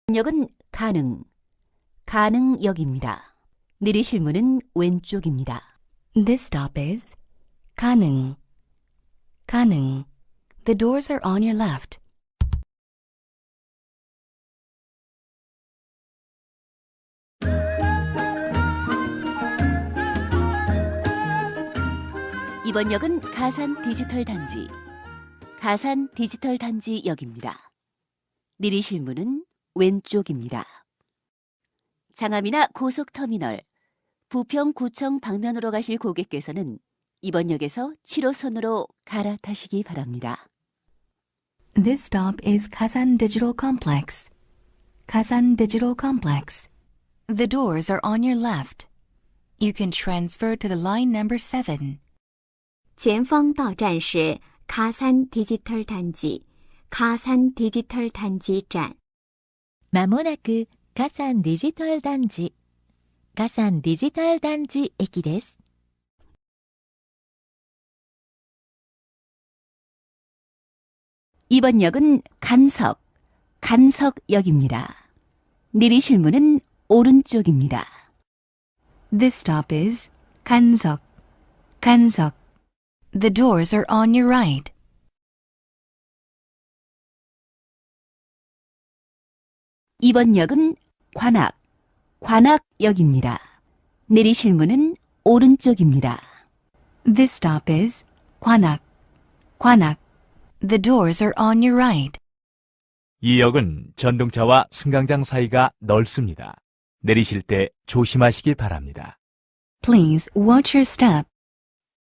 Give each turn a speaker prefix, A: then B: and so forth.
A: 역은 가능역입니다. 내리실 문은 왼쪽입니다.
B: This stop is 가능. The doors are on your left.
A: 이번 역은 가산 디지털 단지 역입니다. 내리실 문은 왼쪽입니다. 장암이나 고속터미널, 부평구청 방면으로 가실 고객께서는 이번 역에서 7호선으로 갈아타시기 바랍니다.
B: This stop is Kasan Digital Complex. The doors are on your left. You can transfer to the line number 7.
C: 前方到站是卡산 디지털 단지站。
D: まもなく加山デジタル団地駅です。
A: 이번 역은 간석역입니다. 내리실 문은 오른쪽입니다.
B: This stop is 간석. The doors are on your right.
A: 이번 역은 관악역입니다. 내리실 문은 오른쪽입니다.
B: This stop is 관악. The doors are on your right.
E: 이 역은 전동차와 승강장 사이가 넓습니다. 내리실 때 조심하시기 바랍니다.
B: Please watch your step